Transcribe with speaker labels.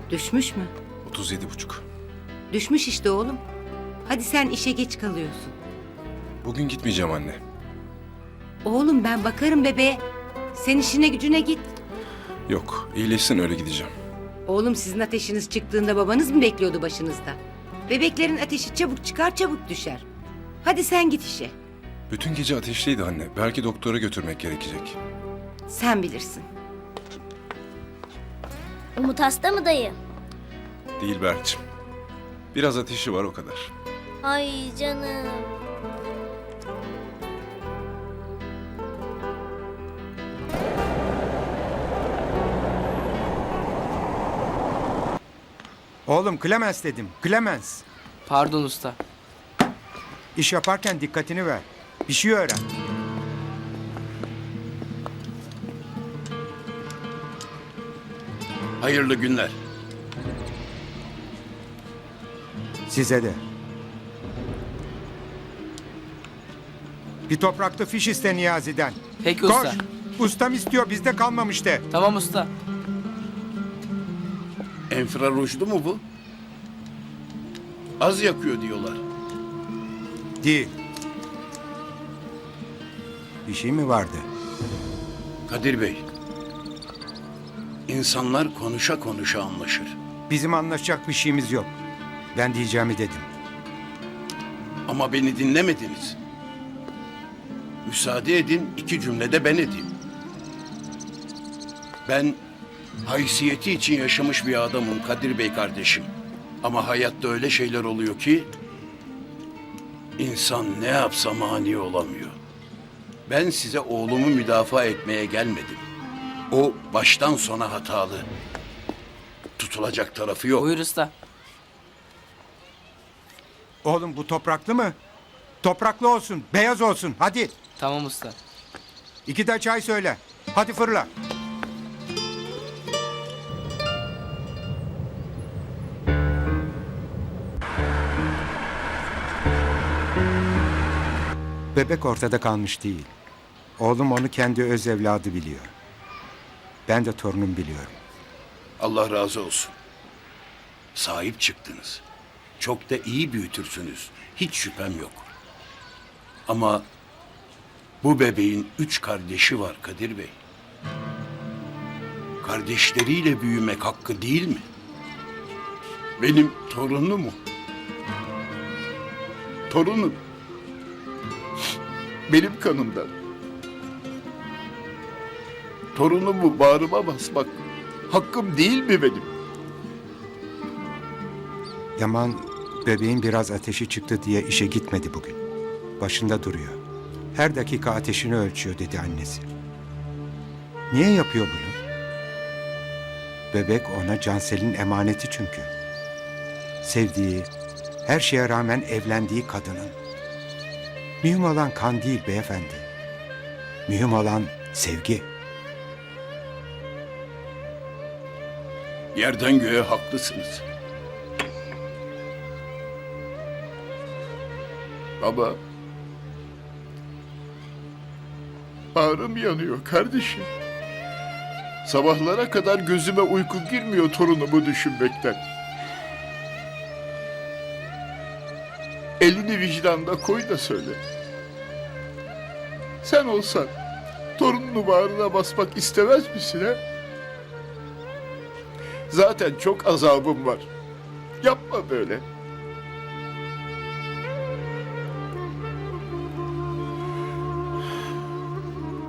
Speaker 1: Düşmüş mü?
Speaker 2: 37,5.
Speaker 1: Düşmüş işte oğlum. Hadi sen işe geç kalıyorsun.
Speaker 2: Bugün gitmeyeceğim anne.
Speaker 1: Oğlum ben bakarım bebeğe. Sen işine gücüne git.
Speaker 2: Yok, iyileşsin öyle gideceğim.
Speaker 1: Oğlum sizin ateşiniz çıktığında babanız mı bekliyordu başınızda? Bebeklerin ateşi çabuk çıkar çabuk düşer. Hadi sen git işe.
Speaker 2: Bütün gece ateşliydi anne. Belki doktora götürmek gerekecek.
Speaker 1: Sen bilirsin.
Speaker 3: Umut hasta mı dayı?
Speaker 2: Değil Berk'cim. Biraz ateşi var o kadar.
Speaker 3: Ay canım.
Speaker 4: Oğlum Clemens dedim. Clemens.
Speaker 5: Pardon usta.
Speaker 4: İş yaparken dikkatini ver. Bir şey öğren.
Speaker 6: Hayırlı günler.
Speaker 4: Size de. Bir topraklı fiş iste Niyazi'den.
Speaker 5: Peki
Speaker 4: Koş.
Speaker 5: usta.
Speaker 4: Ustam istiyor bizde kalmamış de.
Speaker 5: Tamam usta.
Speaker 6: Enfrarujlu mu bu? Az yakıyor diyorlar.
Speaker 4: Değil. Bir şey mi vardı?
Speaker 6: Kadir Bey, insanlar konuşa konuşa anlaşır.
Speaker 4: Bizim anlaşacak bir şeyimiz yok. Ben diyeceğimi dedim.
Speaker 6: Ama beni dinlemediniz. Müsaade edin, 2 cümlede ben edeyim. Ben haysiyeti için yaşamış bir adamım Kadir Bey kardeşim. Ama hayatta öyle şeyler oluyor ki insan ne yapsa mani olamıyor. Ben size oğlumu müdafaa etmeye gelmedim. O baştan sona hatalı. Tutulacak tarafı yok.
Speaker 5: Buyur usta.
Speaker 4: Oğlum bu topraklı mı? Topraklı olsun, beyaz olsun. Hadi.
Speaker 5: Tamam usta.
Speaker 4: 2 de çay söyle. Hadi fırla. Bebek ortada kalmış değil. Oğlum onu kendi öz evladı biliyor. Ben de torunum biliyorum.
Speaker 6: Allah razı olsun. Sahip çıktınız. Çok da iyi büyütürsünüz. Hiç şüphem yok. Ama bu bebeğin 3 kardeşi var Kadir Bey. Kardeşleriyle büyümek hakkı değil mi? Benim torunum o. Torunum. Benim kanımdan. Torunumu bağrıma basmak hakkım değil mi benim?
Speaker 4: Yaman bebeğin biraz ateşi çıktı diye işe gitmedi bugün. Başında duruyor. Her dakika ateşini ölçüyor dedi annesi. Niye yapıyor bunu? Bebek ona Cansel'in emaneti çünkü. Sevdiği, her şeye rağmen evlendiği kadının. Mühim olan kan değil beyefendi. Mühim olan sevgi.
Speaker 6: Yerden göğe haklısınız. Baba. Bağrım yanıyor kardeşim. Sabahlara kadar gözüme uyku girmiyor torunumu düşünmekten. Elini vicdanına koy da söyle. Sen olsan torununu bağrına basmak istemez misin ha? Zaten çok azabım var. Yapma böyle.